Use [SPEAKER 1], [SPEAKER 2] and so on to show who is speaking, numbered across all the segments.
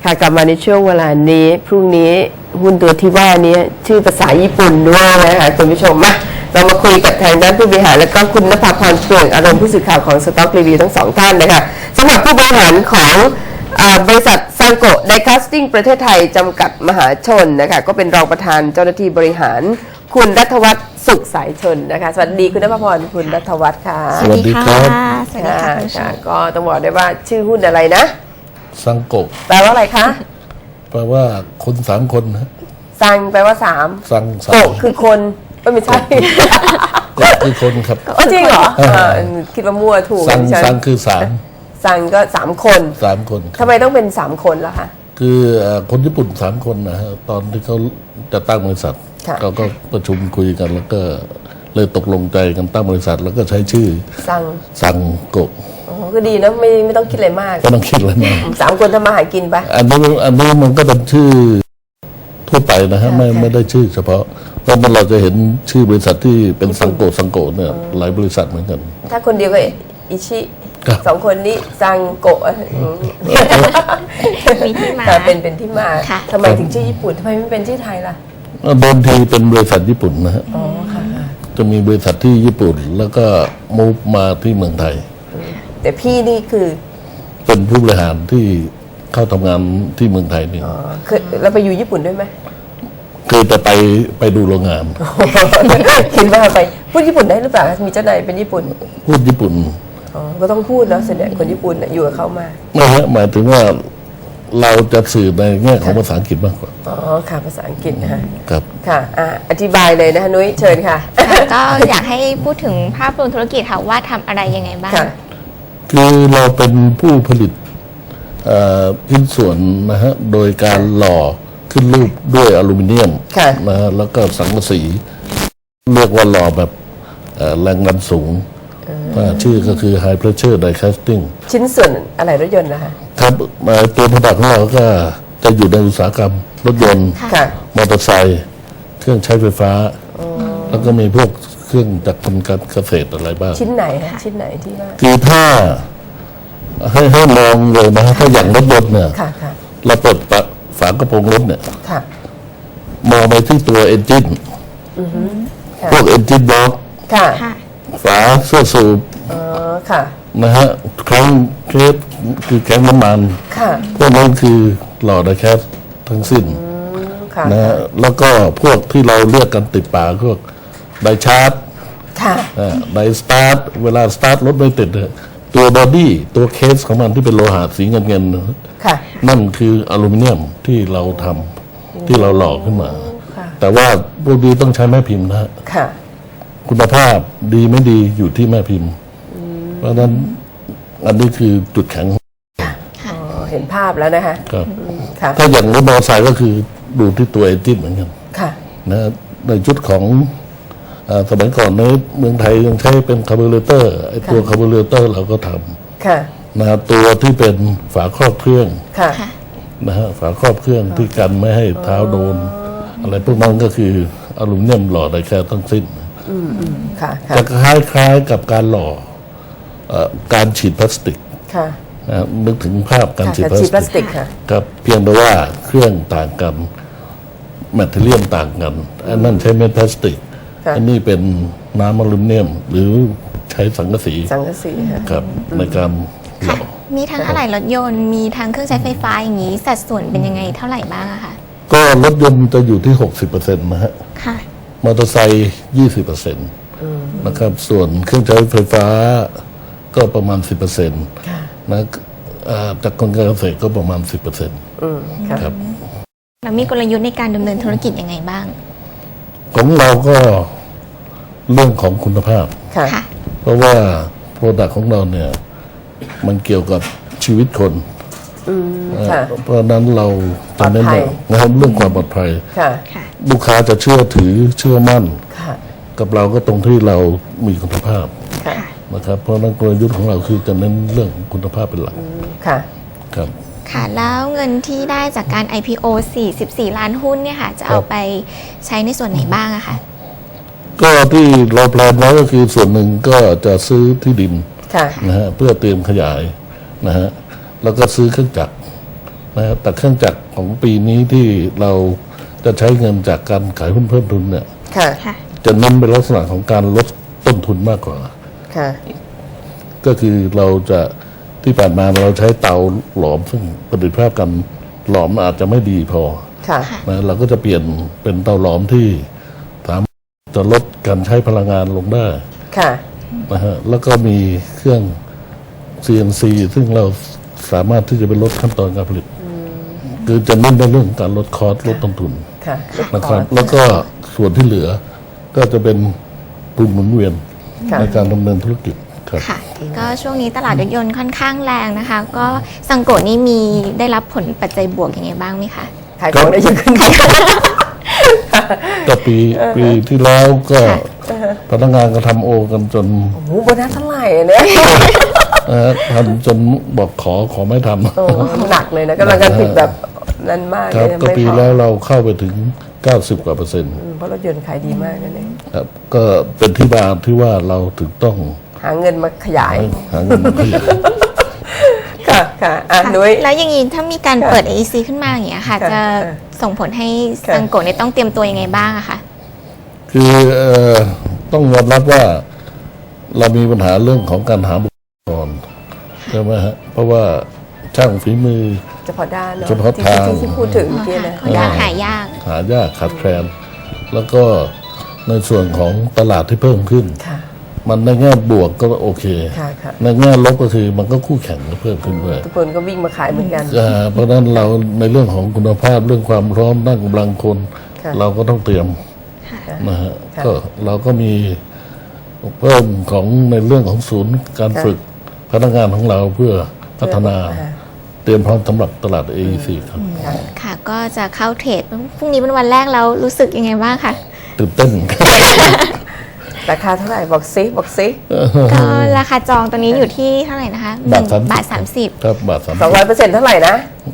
[SPEAKER 1] ค่ะกลับมาในช่วงเวลานี้พรุ่งนี้หุ้นตัวที่ว่านี้ชื่อภาษาญี่ปุ่นด้วยนะคะคุณผู้ชมมาเรามาคุยกับทางด้านผู้บริหารและก็คุณณภาพรเปลืองอารมณ์ผู้สื่อข่าวของสต็อกรีวิวทั้งสองท่านนะคะสำหรับผู้บริหารของบริษัทซังโกะไดคาสติ้งประเทศไทยจำกัดมหาชนนะคะก็เป็นรองประธานเจ้าหน้าที่บริหารคุณรัฐวัฒน์สุขสายชนนะคะสวัสดีคุณณภาพรคุณรัฐวัฒน์ค่ะ
[SPEAKER 2] สวัสดีครับ
[SPEAKER 3] สวัสดีค่ะคุณผู้ชม
[SPEAKER 1] ก็ต้องบอกได้ว่าชื่อหุ้นอะไรนะ
[SPEAKER 2] ซังโกะ
[SPEAKER 1] แปลว่าอะไรคะ
[SPEAKER 2] แปลว่าคนสามคนนะ
[SPEAKER 1] ซังแปลว่าสาม
[SPEAKER 2] ซังสาม
[SPEAKER 1] โกะคือคนไม่ใช่
[SPEAKER 2] ก็คือคนครับ
[SPEAKER 1] อ๋อจริงเหรอคิดว่ามั่วถูก
[SPEAKER 2] ซัง
[SPEAKER 1] ฉัน
[SPEAKER 2] ซังคือสาม
[SPEAKER 1] ซังก็3 คน
[SPEAKER 2] สามคนค
[SPEAKER 1] ทำ
[SPEAKER 2] รับ
[SPEAKER 1] ไมต้องเป็น3 คนล่ะคะ
[SPEAKER 2] คือคนญี่ปุ่นสามคนนะฮะตอนที่เขาจะตั้งบริษัท
[SPEAKER 1] ค่ะ
[SPEAKER 2] เขาก็ประชุมคุยกันแล้วก็เลยตกลงใจกันตั้งบริษัท แล้วก็ใช้ชื่อ
[SPEAKER 1] ซัง
[SPEAKER 2] ซังโกะ
[SPEAKER 1] อ๋อก็ดีนะไม่ต้องคิดอะไรมาก
[SPEAKER 2] ก็ต้องคิดแล้วนะ
[SPEAKER 1] 3 คนทำมาหากินปะ
[SPEAKER 2] อันนี้มันก็เป็นชื่อทั่วไปนะฮะไม่ได้ชื่อเฉพาะเพราะเราจะเห็นชื่อบริษัทที่เป็นซังโกะเนี่ยหลายบริษัทเหมือนกัน
[SPEAKER 1] ถ้าคนเดียวก็อิชิ
[SPEAKER 2] ครับ
[SPEAKER 1] 2 คนนี้ซังโกะ
[SPEAKER 3] มีที่มา
[SPEAKER 1] เป็นที่มา
[SPEAKER 3] ค่ะ
[SPEAKER 1] ทำไมถึงชื่อญี่ปุ่นทำไมไม่เป็นชื่อไทยล่ะ
[SPEAKER 2] เดิมทีเป็นบริษัทญี่ปุ่นนะฮะ
[SPEAKER 1] อ๋อค่ะ
[SPEAKER 2] จะมีบริษัทที่ญี่ปุ่นแล้วก็มูฟมาที่เมืองไทย
[SPEAKER 1] แต่พี่นี่คือ
[SPEAKER 2] เป็นผู้บริหารที่เข้าทำงานที่เมืองไทยนี่
[SPEAKER 1] เคยเราไปอยู่ญี่ปุ่นด้วยไหม
[SPEAKER 2] คือจะไปดูโรงงาน
[SPEAKER 1] คิดว่าไปพูดญี่ปุ่นได้หรือเปล่ามีเจ้านายเป็นญี่ปุ่น
[SPEAKER 2] พูดญี่ปุ่น
[SPEAKER 1] อ๋อก็ต้องพูดแล้วส่วนใหญ่คนญี่ปุ่นน่ะอยู่กับเขามา
[SPEAKER 2] ไม่ฮะหมายถึงว่าเราจะสื่อในแง่ของภาษาอังกฤษมากกว่า
[SPEAKER 1] อ๋อค่ะภาษาอังกฤษนะคะ
[SPEAKER 2] ครับ
[SPEAKER 1] ค่ะอธิบายเลยนะคะนุ้ยเชิญค่ะ
[SPEAKER 3] ค่ะก็อยากให้พูดถึงภาพรวมธุรกิจค่ะว่าทำอะไรยังไงบ้าง
[SPEAKER 1] ค่ะ
[SPEAKER 2] คือเราเป็นผู้ผลิตชิ้นส่วนนะฮะโดยการหล่อขึ้นรูปด้วยอลูมิเนียม
[SPEAKER 1] ค่ะ
[SPEAKER 2] นะฮะแล้วก็สังกะสีเรียกว่าหล่อแบบแรงดันสูงชื่อก็คือ High Pressure Die Casting
[SPEAKER 1] ชิ้นส่วนอะไรรถยนต์นะคะ
[SPEAKER 2] ครับตัวผลิตของเราก็จะอยู่ในอุตสาหกรรมรถยนต์
[SPEAKER 1] ค่ะ
[SPEAKER 2] มอเตอร์ไซค์เครื่องใช้ไฟฟ้า แล้วก็มีพวกเครื่องจักรกลการเกษตรอะไรบ้าง
[SPEAKER 1] ชิ้นไหนคะชิ้นไหนที่ว่า
[SPEAKER 2] คือถ้าให้มองเลยนะถ้าอย่างรถยนต์เนี่ย
[SPEAKER 1] ค่ะค่ะ
[SPEAKER 2] เราเปิดฝากระโปรงรถเนี่ย
[SPEAKER 1] ค่ะ
[SPEAKER 2] มองไปที่ตัวเอนจิน
[SPEAKER 1] ค่ะ
[SPEAKER 2] พวกเอนจินบล็อก
[SPEAKER 1] ค่ะ
[SPEAKER 3] ค่ะ
[SPEAKER 2] ฝาเสื้อสูบ
[SPEAKER 1] อ๋อค่ะ
[SPEAKER 2] นะฮะแข้งเคสคือแข้งน้ำมัน
[SPEAKER 1] ค่ะ
[SPEAKER 2] พวกนั้นคือหล่อไดแคสทั้งสิ้น
[SPEAKER 1] ค่ะ
[SPEAKER 2] นะฮะแล้วก็พวกที่เราเรียกกันติดปากพวกไดชาร์จ
[SPEAKER 1] ค่ะ
[SPEAKER 2] ไดสตาร์ทเวลาสตาร์ทรถไม่ติดเนี่ยตัวบอดี้ตัวเคสของมันที่เป็นโลหะสีเงิน
[SPEAKER 1] ค่ะ
[SPEAKER 2] นั่นคืออลูมิเนียมที่เราทำที่เราหล่อขึ้นมา
[SPEAKER 1] ค่ะ
[SPEAKER 2] แต่ว่าพวกนี้ต้องใช้แม่พิมพ์นะฮะ
[SPEAKER 1] ค่ะ
[SPEAKER 2] คุณภาพดีไม่ดีอยู่ที่แม่พิมพ์ เพราะฉะนั้นอันนี้คือจุดแข็ง
[SPEAKER 1] อ๋อเห็นภาพแล้วนะคะ
[SPEAKER 2] ครับ
[SPEAKER 1] ค่ะ
[SPEAKER 2] ถ้าอย่างรถมอเตอร์ไซค์ก็คือดูที่ตัวเอนจินเหมือนกัน
[SPEAKER 1] ค่ะ
[SPEAKER 2] นะในชุดของสมัยก่อนในเมืองไทยยังใช้เป็นคาร์บูเรเตอร์ไอตัวคาร์บูเรเตอร์เราก็ท
[SPEAKER 1] ค่ะ
[SPEAKER 2] ำนะตัวที่เป็นฝาครอบเครื่อง
[SPEAKER 1] ค่ะ
[SPEAKER 3] ค่ะ
[SPEAKER 2] นะฮะฝาครอบเครื่องที่กันไม่ให้เท้าโดน อะไรพวกนั้นก็คืออลูมิเนียมหล่อไดแค่ทั้งสิ้น
[SPEAKER 1] ค่ะ ค่ะ
[SPEAKER 2] จะคล้ายๆกับการหล่อการฉีดพลาสติก
[SPEAKER 1] ค่ะ
[SPEAKER 2] นะนึกถึงภาพการ
[SPEAKER 1] ค่ะ
[SPEAKER 2] ฉีด
[SPEAKER 1] แต่
[SPEAKER 2] พลา
[SPEAKER 1] ฉี
[SPEAKER 2] ส
[SPEAKER 1] ดพลาส
[SPEAKER 2] ติ
[SPEAKER 1] ติ
[SPEAKER 2] ก
[SPEAKER 1] กค่ะ
[SPEAKER 2] ครับเพียงแต่ว่าเครื่องต่างกันแมทเทียลต่างกันอันนั้นใช้เม็ดพลาสติก
[SPEAKER 1] ค่ะ
[SPEAKER 2] อันนี้เป็นน้ำอลูมิเนียม หรือใช้สังกะสี
[SPEAKER 1] สังกะสีค่ะ
[SPEAKER 2] ครับในการหล่อ
[SPEAKER 3] มีทั้งอะไหล่รถยนต์มีทั้งเครื่องใช้ไฟฟ้าอย่างนี้สัดส่วนเป็นยังไงเท่าไหร่บ้างอะคะ
[SPEAKER 2] ก็รถยนต์จะอยู่ที่ 60%นะฮะ
[SPEAKER 3] ค่ะ
[SPEAKER 2] มอเตอร์ไซค์20%นะครับ ส่วนเครื่องใช้ไฟฟ้าก็ประมาณ 10%
[SPEAKER 1] ค่ะ
[SPEAKER 2] นะจากกลการเกษตรก็ประมาณ 10%
[SPEAKER 1] ค่ะ
[SPEAKER 2] ครับ
[SPEAKER 3] แล้วมีกลยุทธ์ในการดำเนินธุรกิจยังไงบ้าง
[SPEAKER 2] ของเราก็เรื่องของคุณภาพ
[SPEAKER 1] ค่ะ
[SPEAKER 3] ค่ะ
[SPEAKER 2] เพราะว่าโปรดักต์ของเราเนี่ยมันเกี่ยวกับชีวิตคน
[SPEAKER 1] ค่ะ
[SPEAKER 2] เพราะฉะนั้นเราจะเน้น
[SPEAKER 1] ปลอดภัย
[SPEAKER 2] นะครับเรื่องความปลอดภัย
[SPEAKER 1] ค่ะ
[SPEAKER 3] ค่ะ
[SPEAKER 2] ลูกค้าจะเชื่อถือเชื่อมั่น
[SPEAKER 1] ค่ะ
[SPEAKER 2] กับเราก็ตรงที่เรามีคุณภาพ
[SPEAKER 1] ค่ะ
[SPEAKER 2] นะครับเพราะฉะนั้นกลยุทธ์ของเราคือจะเน้นเรื่องคุณภาพเป็นหลัก
[SPEAKER 1] ค่ะ
[SPEAKER 2] ครับ
[SPEAKER 3] ค่ะ แล้วเงินที่ได้จากการ IPO 44 ล้านหุ้นเนี่ยค่ะ จะเอาไปใช้ในส่วนไหนบ้างอะคะ
[SPEAKER 2] ก็ที่เราแพลนไว้ก็คือส่วนหนึ่งก็จะซื้อที่ดิน
[SPEAKER 1] ค่ะ
[SPEAKER 2] นะฮะเพื่อเตรียมขยายนะฮะแล้วก็ซื้อเครื่องจักรนะแต่เครื่องจักรของปีนี้ที่เราจะใช้เงินจากการขายหุ้นเพิ่มทุนเนี่ย
[SPEAKER 1] ค่ะ
[SPEAKER 3] ค่ะ
[SPEAKER 2] จะเน้นเป็นลักษณะของการลดต้นทุนมากกว่า
[SPEAKER 1] ค่ะ
[SPEAKER 2] ก็คือเราจะที่ผ่านมาเราใช้เตาหลอมซึ่งประสิทธิภาพการหลอมอาจจะไม่ดีพอ
[SPEAKER 1] ค่ะ
[SPEAKER 2] นะเราก็จะเปลี่ยนเป็นเตาหลอมที่สามารถจะลดการใช้พลังงานลงได้
[SPEAKER 1] ค่ะ
[SPEAKER 2] นะฮะแล้วก็มีเครื่อง CNC ซึ่งเราสามารถที่จะไปลดขั้นตอนการผลิตคือจะเน้นในเรื่องการลดคอสลดต้นทุน
[SPEAKER 1] ค่ะ
[SPEAKER 2] นะครับ แล้วก็ส่วนที่เหลือก็จะเป็นทุนหมุนเวียน
[SPEAKER 1] ค่ะ
[SPEAKER 2] ในการดำเนินธุรกิจครับ
[SPEAKER 3] ค่ะ ก็ช่วงนี้ตลาดรถยนต์ค่อนข้างแรงนะคะ ก็ซังโกะนี่มีได้รับผลปัจจัยบวกยังไงบ้างไหมคะ
[SPEAKER 1] ขายของได้เยอะขึ้น
[SPEAKER 2] ก็ปีที่แล้วก็พนักงานก็ทำโอกันจน
[SPEAKER 1] โอ้โหโบนัสเท่าไหร่เนี่ย
[SPEAKER 2] ทำจนบอกขอไม่ทำ
[SPEAKER 1] โอ้หนักเลยนะกำลังการผลิตแบบนั้นมาก
[SPEAKER 2] ค
[SPEAKER 1] เล
[SPEAKER 2] รับ
[SPEAKER 1] ย
[SPEAKER 2] ก็
[SPEAKER 1] ไม่
[SPEAKER 2] ปี
[SPEAKER 1] พอ
[SPEAKER 2] แล้วเราเข้าไปถึง 90 กว่าเปอร์เซ็นต์
[SPEAKER 1] เพราะรถยนต์ขายดีมากนั่นเอง
[SPEAKER 2] ครับ ก็เป็นที่มาที่ว่าเราถึงต้อง
[SPEAKER 1] หาเงินมาขยาย
[SPEAKER 2] หาเงินมาขยาย
[SPEAKER 1] ค่ะ ค่ะ อ่ะ
[SPEAKER 3] ค่ะ
[SPEAKER 1] นุ้ย
[SPEAKER 3] แล้วอย่างนี้ถ้ามีการเปิด AEC ขึ้นมาอย่างเงี้ยค่ะ
[SPEAKER 1] ค่ะ
[SPEAKER 3] จะ
[SPEAKER 1] ค่ะ
[SPEAKER 3] ส่งผลให้
[SPEAKER 1] ค่ะ
[SPEAKER 3] ซังโกะเนี่ยต้องเตรียมตัวยังไงบ้างอะคะ
[SPEAKER 2] คือต้องยอมรับว่าเรามีปัญหาเรื่องของการหาบุคลากรใช่ไหมฮะเพราะว่าช่างฝีมือ
[SPEAKER 1] เฉพาะด้านเนาะ
[SPEAKER 2] เฉพาะทาง
[SPEAKER 1] ที่พูดถึงเมื่อกี้นะ
[SPEAKER 3] ค่อนข้างหายาก
[SPEAKER 2] หายากขาดแคลนแล้วก็ในส่วนของตลาดที่เพิ่มขึ้น
[SPEAKER 1] ค่ะ
[SPEAKER 2] มันในแง่บวกก็โอเค
[SPEAKER 1] ค่ะค่ะ
[SPEAKER 2] ในแง่ลบก็คือมันก็คู่แข่งก็เพิ่มขึ้นด้วย
[SPEAKER 1] ทุกคนก็วิ่งมาขายเหมือนกัน
[SPEAKER 2] เพราะฉะนั้นเราในเรื่องของคุณภาพเรื่องความพร้อมด้านกำลังคน
[SPEAKER 1] ค่ะ
[SPEAKER 2] เราก็ต้องเตรียมนะฮะ
[SPEAKER 1] ค่ะ
[SPEAKER 2] ก็เราก็มีเพิ่มของในเรื่องของศูนย์การ
[SPEAKER 1] ค่ะ
[SPEAKER 2] ฝึกพนักงานของเราเพื่อพัฒนา
[SPEAKER 1] ค่ะ
[SPEAKER 2] เตรียมพร้อมสำหรับตลาด AEC ครับ
[SPEAKER 1] ค่ะ
[SPEAKER 3] ค่ะ ก็จะเข้าเทรดพรุ่งนี้เป็นวันแรกแล้วรู้สึกยังไงบ้างคะ
[SPEAKER 2] ตื่นเต้น
[SPEAKER 1] ราคาเท่าไหร่บอกซิบอกซิ
[SPEAKER 3] ก็ราคาจองตัวนี้อยู่ที่เท่าไหร่นะคะ
[SPEAKER 2] บาท
[SPEAKER 3] 1 บาท 30
[SPEAKER 2] ครับบาทสาม
[SPEAKER 1] 200%เท่าไหร่นะ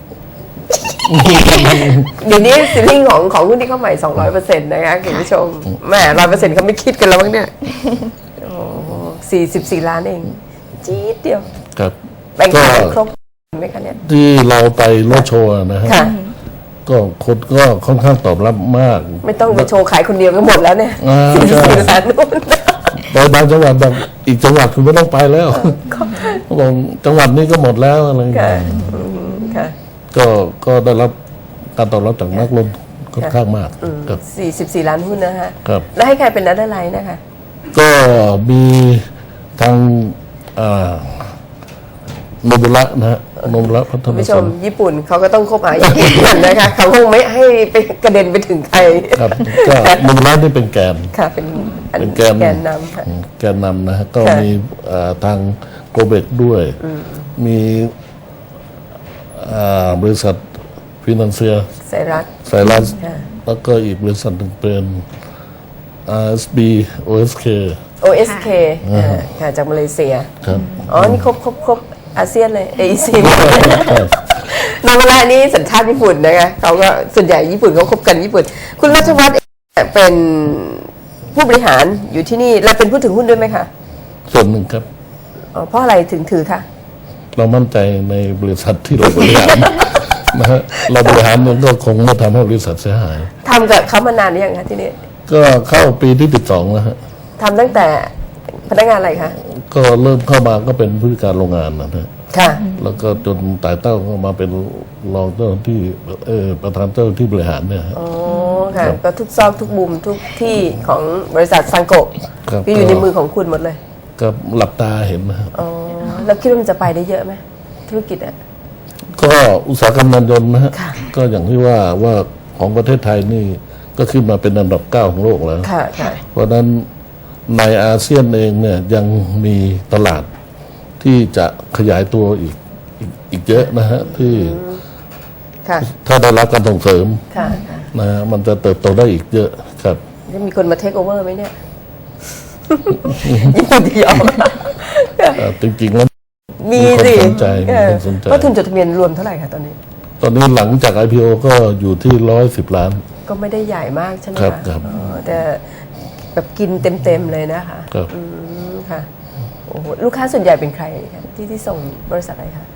[SPEAKER 1] เดี๋ยวนี้ซีลิ่งของหุ้นที่เข้าใหม่ 200%นะคะคุณผู้ชมแหม100%เขาไม่คิดกันแล้วมั้งเนี่ยโอ้44 ล้านเอง จี๊ดเดียว
[SPEAKER 2] ครับ
[SPEAKER 1] แบ่ง
[SPEAKER 2] ก็
[SPEAKER 1] ขายครบไหมคะเนี่ย
[SPEAKER 2] ที่เราไปรถโชว์นะฮะ
[SPEAKER 1] ค่ะ
[SPEAKER 2] ก็คนก็ค่อนข้างตอบรับมาก
[SPEAKER 1] ไม่ต้องไปโชว์ขายคนเดียวก็หมดแล้วเนี่ย
[SPEAKER 2] ใช่
[SPEAKER 1] 44 ล้านนู่น
[SPEAKER 2] ไปบางจังหวัดแบบอีกจังหวัดคุณไม่ต้องไปแล้วเขาบอกจังหวัดนี้ก็หมดแล้วอะไรอย่าง
[SPEAKER 1] ค่ะ
[SPEAKER 2] เงี้ย
[SPEAKER 1] ค่ะ
[SPEAKER 2] ก็ได้รับการตอบรับจากนักลงทุนค่อนข้างมากครับ
[SPEAKER 1] 44 ล้านหุ้นนะฮะ
[SPEAKER 2] ครับ
[SPEAKER 1] แล้วให้ใครเป็นนัดไลน์นะคะ
[SPEAKER 2] ก็มีทางโนบุระนะฮะโนบุระพัฒ
[SPEAKER 1] คุณ
[SPEAKER 2] นา
[SPEAKER 1] ผู้ช
[SPEAKER 2] สั
[SPEAKER 1] ม
[SPEAKER 2] น
[SPEAKER 1] ญี่ปุ่นเขาก็ต้องคบหาญี่ปุ่นนะคะเขาคงไม่ให้ไปกระเด็นไปถึงใคร
[SPEAKER 2] ครับก็โนบุระนี่เป็นแกน
[SPEAKER 1] ค่ะ เป็นอัน
[SPEAKER 2] เป็นแกน
[SPEAKER 1] แกนนำค่ะ
[SPEAKER 2] แกนนำนะฮะก็
[SPEAKER 1] ค่ะ
[SPEAKER 2] มีทางโกเบกด้วย มีบริษัทฟินแลนเซีย
[SPEAKER 1] ไซรัส
[SPEAKER 2] ไซรัส
[SPEAKER 1] ค่ะ
[SPEAKER 2] แล้วก็อีกบริษัทหนึ่งเป็น RSB OSK
[SPEAKER 1] OSK ค่ะจากมาเลเซีย
[SPEAKER 2] ครับ
[SPEAKER 1] อ๋อ นี่ครบอาเซียนเลย AEC นางเวลานี้สัญชาติญี่ปุ่นนะคะเขาก็ส่วนใหญ่ญี่ปุ่นเขาคบกันญี่ปุ่น คุณรัชวัฒน์เป็นผู้บริหารอยู่ที่นี่และเป็นผู้ถือหุ้นด้วยไหมคะ
[SPEAKER 2] ส่วนหนึ่งครับ
[SPEAKER 1] อ๋อเพราะอะไรถึงถือคะ
[SPEAKER 2] เรามั่นใจในบริษัทที่เราบริหาร นะฮะเราบริหารมันก็คงไม่ทำให้บริษัทเสียหาย
[SPEAKER 1] ทำกับเขามานานหรือยังคะที่นี่
[SPEAKER 2] ก็เข้าปีที่12แล้วฮะ
[SPEAKER 1] ทำตั้งแต่พนักงานอะไรคะ
[SPEAKER 2] ก็เริ่มเข้ามาก็เป็นผู้จัดการโรงงานนะฮะ
[SPEAKER 1] ค่ะ
[SPEAKER 2] แล้วก็จนไต่เต้าก็มาเป็นรองเจ้าหน้าที่ประธานเจ้าหน้าที่บริหารเนี่ยฮะ
[SPEAKER 1] อ๋อ ค่ะ ก็ทุกซอกทุกมุมทุกที่ของบริษัทซังโกะ
[SPEAKER 2] ครับ
[SPEAKER 1] ก็อยู่ในมือของคุณหมดเลย
[SPEAKER 2] ก็หลับตาเห็นนะฮะ
[SPEAKER 1] อ๋อ แล้วคิดว่ามันจะไปได้เยอะไหมธุรกิจอ่ะ
[SPEAKER 2] ก็อุตสาหกรรมยานยนต์นะฮะ
[SPEAKER 1] ค่ะ
[SPEAKER 2] ก็อย่างที่ว่าของประเทศไทยนี่ก็ขึ้นมาเป็นอันดับ 9 ของโลกแล้ว
[SPEAKER 1] ค่ะ ค่ะ
[SPEAKER 2] เพราะฉะนั้นในอาเซียนเองเนี่ยยังมีตลาดที่จะขยายตัวอีกเยอะนะฮะที่
[SPEAKER 1] ค่ะ
[SPEAKER 2] ถ้าได้รับการส่งเสริม
[SPEAKER 1] ค่ะค่ะ
[SPEAKER 2] นะฮะมันจะเติบโตได้อีกเยอะครับ
[SPEAKER 1] จะมีคนมาเทคโอเวอร์ไหมเนี่ย ญี่ปุ่นเดียว
[SPEAKER 2] จริงๆแล้ว
[SPEAKER 1] มี
[SPEAKER 2] มีคน
[SPEAKER 1] สิ
[SPEAKER 2] สนใจ
[SPEAKER 1] เออ
[SPEAKER 2] มีคนสนใจ
[SPEAKER 1] ก็ทุนจดทะเบียนรวมเท่าไหร่คะตอนนี้
[SPEAKER 2] ตอนนี้หลังจาก IPO ก็อยู่ที่110 ล้าน
[SPEAKER 1] ก็ไม่ได้ใหญ่มากใช่ไหม
[SPEAKER 2] ครับ
[SPEAKER 1] คะ
[SPEAKER 2] ครับ
[SPEAKER 1] อ๋อแต่แบบกินเต็มๆเลยนะคะ
[SPEAKER 2] ครับ
[SPEAKER 1] ค่ะ โอ้โห ลูกค้าส่วนใหญ่เป็นใครคะที่ส่งบริษัทอะไรคะ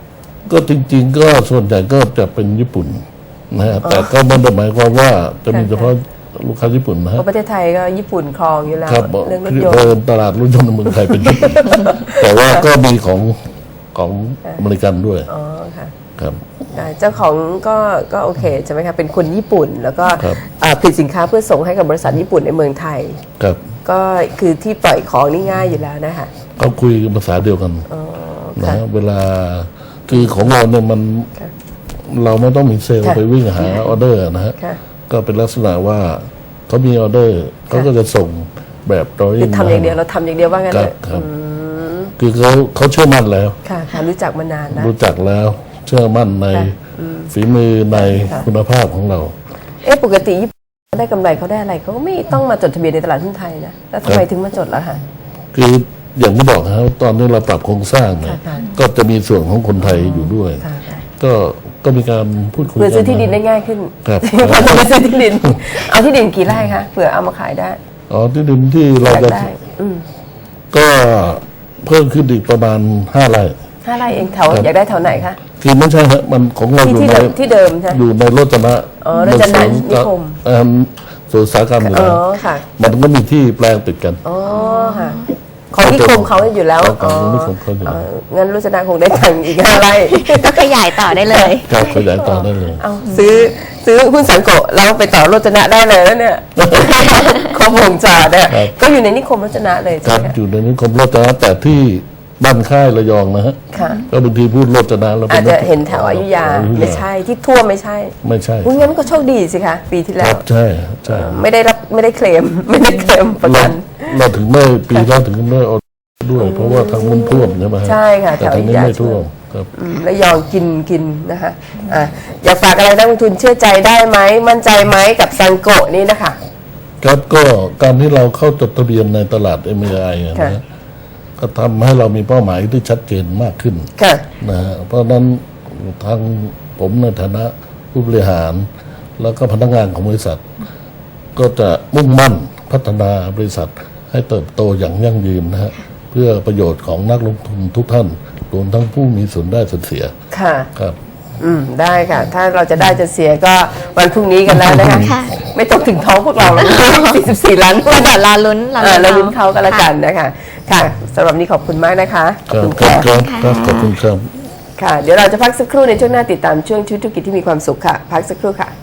[SPEAKER 2] ก็จริงๆก็ส่วนใหญ่ก็จะเป็นญี่ปุ่นนะฮะแต่ก็ไม่ได้หมายความว่าจะมีเฉพาะลูกค้าญี่ปุ่นนะ
[SPEAKER 1] เพ
[SPEAKER 2] ฮะ
[SPEAKER 1] ราะประเทศไทยก็ญี่ปุ่นครองอยู่แล้ว
[SPEAKER 2] ครับ
[SPEAKER 1] เรื่องรถ
[SPEAKER 2] คือย
[SPEAKER 1] น
[SPEAKER 2] เดิ
[SPEAKER 1] ต์
[SPEAKER 2] นตลาดรถยนต์ในเมืองไทยเป็นญี่ปุ่นแต่ว่าก็มีของอเมริกันด้วย
[SPEAKER 1] อ๋อค่ะ
[SPEAKER 2] ครับ
[SPEAKER 1] เจ้าของก็โอเคใช่ไหมคะเป็นคนญี่ปุ่น แล้วก็
[SPEAKER 2] ครับ
[SPEAKER 1] ผลิตสินค้าเพื่อส่งให้กับบริษัทญี่ปุ่นในเมืองไทย
[SPEAKER 2] ครับ
[SPEAKER 1] ก็คือที่ปล่อยของนี่ง่ายอยู่แล้วนะคะ
[SPEAKER 2] เขาคุยกันภาษาเดียวกัน
[SPEAKER 1] อ๋อ
[SPEAKER 2] นะ
[SPEAKER 1] ค่ะ
[SPEAKER 2] ฮะเวลาคือของเราเนี่ยมัน
[SPEAKER 1] ค่ะ
[SPEAKER 2] เราไม่ต้องมีเซลล์
[SPEAKER 1] ค่ะ
[SPEAKER 2] ไปวิ่งหาออเดอร์นะฮะ
[SPEAKER 1] ค่ะ
[SPEAKER 2] ก็เป็นลักษณะว่าเขามีออเดอร์เขาก็จะส่งแบบดรอ
[SPEAKER 1] คือทำอย่างเดียวเราทำอย่างเดียวว่างั้น
[SPEAKER 2] ค
[SPEAKER 1] เล
[SPEAKER 2] รับ
[SPEAKER 1] ย
[SPEAKER 2] ครับคือเขาเชื่อมั่นแล้ว
[SPEAKER 1] ค่ะค่ะรู้จักมานานแล้ว
[SPEAKER 2] รู้จักแล้วเชื่อมั่นใน
[SPEAKER 1] ค่ะ
[SPEAKER 2] ฝีมือใน
[SPEAKER 1] ค่ะ
[SPEAKER 2] คุณภาพของเรา
[SPEAKER 1] ปกติญี่ปุ่นได้กำไรเขาได้อะไรเขาก็ไม่ต้องมาจดทะเบียนในตลาดหุ้นไทยนะแล้วทำไมถึงมาจดล่ะคะ
[SPEAKER 2] คืออย่างที่บอกนะครับตอนนี้เราปรับโครงสร้างเนี่ย
[SPEAKER 1] ค่ะ
[SPEAKER 2] ก็จะมีส่วนของคนไทยอยู่ด้วย
[SPEAKER 1] ค่ะค่ะ
[SPEAKER 2] ก็มีการพูดคุย
[SPEAKER 1] เพื่อ
[SPEAKER 2] กั
[SPEAKER 1] ซื้อที่ดินได้ง่ายขึ้น
[SPEAKER 2] ครับ
[SPEAKER 1] พอจะไปซื้อที่ดิน เอาที่ดินกี่ไร่คะเผื่อเอามาขายได้
[SPEAKER 2] อ๋อที่ดินที่เรา
[SPEAKER 1] อยาก
[SPEAKER 2] จะ
[SPEAKER 1] ได้
[SPEAKER 2] ก็เพิ่มขึ้นอีกประมาณ5 ไร่
[SPEAKER 1] 5 ไร่เองแถว
[SPEAKER 2] ครับ
[SPEAKER 1] อยากได้แถวไหนคะ
[SPEAKER 2] คือไม่ใช่ฮะมันของเราอยู่
[SPEAKER 1] ที่
[SPEAKER 2] ใน
[SPEAKER 1] เดิมที่เดิมใช่ไหม
[SPEAKER 2] อยู่ในโรจนะ
[SPEAKER 1] อ๋อโรจนะนิคม
[SPEAKER 2] สวนอุตสาหกรรมอยู่
[SPEAKER 1] อ๋
[SPEAKER 2] แล้ว
[SPEAKER 1] อค่ะ
[SPEAKER 2] มันก็มีที่แปลงติดกัน
[SPEAKER 1] อ๋อค่ะของนิคมเขาอยู่แล้ว
[SPEAKER 2] ของนิคมเขาอยู่แล้ว
[SPEAKER 1] งั้นรุษณะคงได้ตังค์อีก5 ไร่
[SPEAKER 3] ก็ขยายต่อได้เลย
[SPEAKER 2] ครับขยายต่อได้เลย
[SPEAKER 1] เอาซื้อหุ้นสังโกะแล้วไปต่อโรจนะได้เลยแล้วเนี่ยครบวงจรเนี่ย
[SPEAKER 2] ครับ
[SPEAKER 1] ก็อยู่ในนิคมโรจนะเลย
[SPEAKER 2] ค
[SPEAKER 1] ใช่
[SPEAKER 2] รับ
[SPEAKER 1] ไหมคะ
[SPEAKER 2] อยู่ในนิคมโรจนะแต่ที่บ้านค่ายระยองนะฮะ
[SPEAKER 1] ค่ะ
[SPEAKER 2] ก็บางทีพูดโรจนะเรา
[SPEAKER 1] อาจจะเห็นแถวอยุธยา
[SPEAKER 2] อยุธ
[SPEAKER 1] ไม่ใช่ที่ทั่วไม่ใช่
[SPEAKER 2] ไม่ใช่
[SPEAKER 1] อุ๊ยงั้นก็โชคดีสิคะปีที่
[SPEAKER 2] ค
[SPEAKER 1] แล้
[SPEAKER 2] รั
[SPEAKER 1] ว
[SPEAKER 2] บใช่ใช่
[SPEAKER 1] ไม่ได้เคลม ไม่ได้เคลมประ
[SPEAKER 2] เรา
[SPEAKER 1] กัน
[SPEAKER 2] เราถึงไม่ปีแล้วถึงไม่เอาด้วย เพราะว่าทางมันท่วมใช่ไหมฮะ
[SPEAKER 1] ใช่ค่ะ
[SPEAKER 2] แต่ทางนี้
[SPEAKER 1] แถวอยุธยา
[SPEAKER 2] ไม่ท่วมครับ
[SPEAKER 1] แล้วยองกินนะคะอยากฝากอะไรนักลงทุนเชื่อใจได้ไหมมั่นใจไหมกับซังโกะนี่นะคะ
[SPEAKER 2] ครับก็การที่เราเข้าจดทะเบียนในตลาด MAI นะ
[SPEAKER 1] ค่ะ
[SPEAKER 2] ฮะก็ทำให้เรามีเป้าหมายที่ชัดเจนมากขึ้น
[SPEAKER 1] ค่ะ
[SPEAKER 2] นะฮะเพราะฉะนั้นทางผมในฐานะผู้บริหาร แล้วก็พนักงานของบริษัท ก็จะมุ่งมั่นพัฒนาบริษัทให้เติบโตอย่างยั่งยืนนะฮะเพื่อประโยชน์ของนักลงทุนทุกท่านรวมทั้งผู้มีส่วนได้ส่วนเสีย
[SPEAKER 1] ค่ะ
[SPEAKER 2] ครับ
[SPEAKER 1] ได้ค่ะ ถ้าเราจะได้จะเสียก็วันพรุ่งนี้กันแล้วนะคะ
[SPEAKER 3] ค่ะ
[SPEAKER 1] ไม่ต้องถึงท้องพวกเราหรอก44 ล้าน
[SPEAKER 3] ก็เดี๋ยวรอลุ้น
[SPEAKER 1] เราลุ้นเขาก็แล้วกันนะคะ ค่ะสำหรับนี้ขอบคุณมากนะคะ ขอบคุณ
[SPEAKER 2] ครั
[SPEAKER 1] ค่ะ
[SPEAKER 2] บครับขอบคุณครับ
[SPEAKER 1] ค่ะ เดี๋ยวเราจะพักสักครู่ในช่วงหน้าติดตามช่วงชีวิตธุรกิจที่มีความสุขค่ะ พักสักครู่ค่ะ